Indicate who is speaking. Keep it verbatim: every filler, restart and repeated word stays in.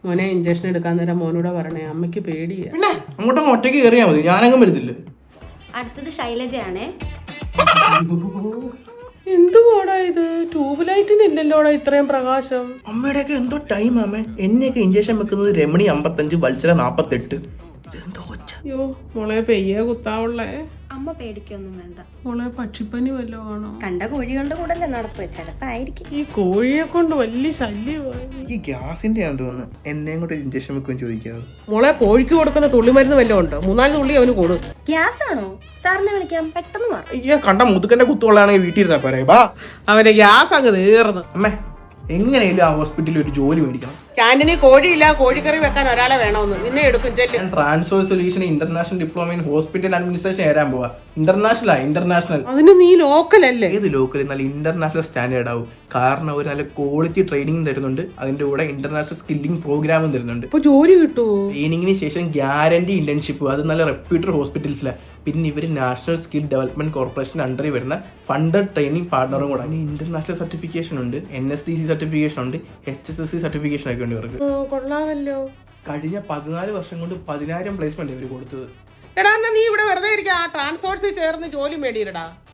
Speaker 1: മോനെ ഇഞ്ചക്ഷൻ എടുക്കാൻ നേരം മോനൂടെ പറഞ്ഞേ, അമ്മയ്ക്ക് പേടിയാ.
Speaker 2: പിന്നെ അങ്ങോട്ടും ഒറ്റയ്ക്ക് കയറിയാൽ മതി, ഞാനങ്ങും വരുന്നില്ല.
Speaker 3: അടുത്തത് ശൈലജയാണേ.
Speaker 1: എന്തുവാടാ ഇത്? ട്യൂബ് ലൈറ്റിനില്ലല്ലോടാ ഇത്രയും പ്രകാശം.
Speaker 2: അമ്മയുടെയൊക്കെ എന്തോ ടൈം ആമേ. എന്നെയൊക്കെ ഇഞ്ചക്ഷൻ വെക്കുന്നത് രമണി അമ്പത്തഞ്ച്, വത്സര നാപ്പത്തെട്ട്. എന്തോ കൊച്ച.
Speaker 1: അയ്യോ മോളെ പെയ്യേ കുത്താവുള്ളേ.
Speaker 3: അമ്മ പേടിക്കൊന്നും വേണ്ട.
Speaker 1: മോളെ പക്ഷിപ്പനി വല്ലോ ആണോ?
Speaker 3: കണ്ട കോഴികളുടെ കൂടെ അല്ലേ നടപ്പ്, ചിലപ്പോ ആയിരിക്കും.
Speaker 1: ഈ കോഴിയെ കൊണ്ട് വലിയ ശല്യമായി.
Speaker 2: ഈ ഗ്യാസിന്റെ ആണെന്ന് തോന്നുന്നു. എന്നെയും കൂടെ ഇഞ്ചക്ഷൻ വെക്കുമെന്ന് ചോദിക്കാവോ?
Speaker 1: മോളെ കോഴിക്ക് കൊടുക്കുന്ന തുള്ളിമരുന്ന് വല്ലതും ഉണ്ടോ? മൂന്നാല് തുള്ളി അവന് കൊടു.
Speaker 3: ഗ്യാസ് ആണോ? സാറിനെ വിളിക്കാം, പെട്ടെന്ന് മാറും.
Speaker 2: അയ്യോ കണ്ട മുതുക്കന്റെ കുത്തുകൊള്ളാണെങ്കിൽ വീട്ടിൽ ഇരുന്നാ പോരെ. ബാ
Speaker 1: അവന്റെ ഗ്യാസ് അങ്ങ് തീർന്നു.
Speaker 2: അമ്മേ എങ്ങനെയാലും ആ ഹോസ്പിറ്റലിൽ ഒരു ജോലി മേടിക്കണം.
Speaker 1: ക്യാൻറ്റീനിൽ കോഴിയില്ല, കോഴിക്കറി വെക്കാൻ ഒരാളെ വേണമെന്ന്. നിന്നെ എടുക്കും ചെല്ലും.
Speaker 2: ഞാൻ transfer solution international diploma in hospital administration ഏരാൻ പോവാ. ഇന്റർനാഷണൽ ഇന്റർനാഷണൽ
Speaker 1: അതിന് നീ ലോക്കൽ അല്ലേ?
Speaker 2: ഏത് ലോക്കൽ? നല്ല ഇന്റർനാഷണൽ സ്റ്റാൻഡേർഡ് ആവും. കാരണം ഒരു നല്ല ക്വാളിറ്റി ട്രെയിനിങ് തരുന്നുണ്ട്, അതിന്റെ കൂടെ ഇന്റർനാഷണൽ സ്കില്ലിംഗ് പ്രോഗ്രാമും തരുന്നുണ്ട്.
Speaker 1: ഇപ്പൊ ജോലി കിട്ടുമോ?
Speaker 2: ട്രെയിനിങ്ങിന് ശേഷം ഗ്യാരണ്ടി ഇന്റേൺഷിപ്പ്, അത് നല്ല റെപ്യൂട്ടഡ് ഹോസ്പിറ്റൽസിലാണ്. പിന്നെ ഇവർ നാഷണൽ സ്കിൽ ഡെവലപ്മെന്റ് കോർപ്പറേഷൻ അണ്ടറിൽ വരുന്ന ഫണ്ടഡ് ട്രെയിനിങ് പാർട്ണറും കൂടെ. അതിന് ഇന്റർനാഷണൽ സർട്ടിഫിക്കേഷൻ ഉണ്ട്, N S D C certification ഉണ്ട്, H S S C certification ഒക്കെ ഉണ്ട് ഇവർക്ക്.
Speaker 1: കൊള്ളാമല്ലോ.
Speaker 2: കഴിഞ്ഞ പതിനാല് വർഷം കൊണ്ട് പതിനായിരം പ്ലേസ്മെന്റ് ഇവർ കൊടുത്തത്.
Speaker 1: എടാ എന്നാ നീ ഇവിടെ വെറുതെ ഇരിക്കുക, ട്രാൻസ്പോർട്സിൽ ചേർന്ന് ജോലി മേടിയിരടാ.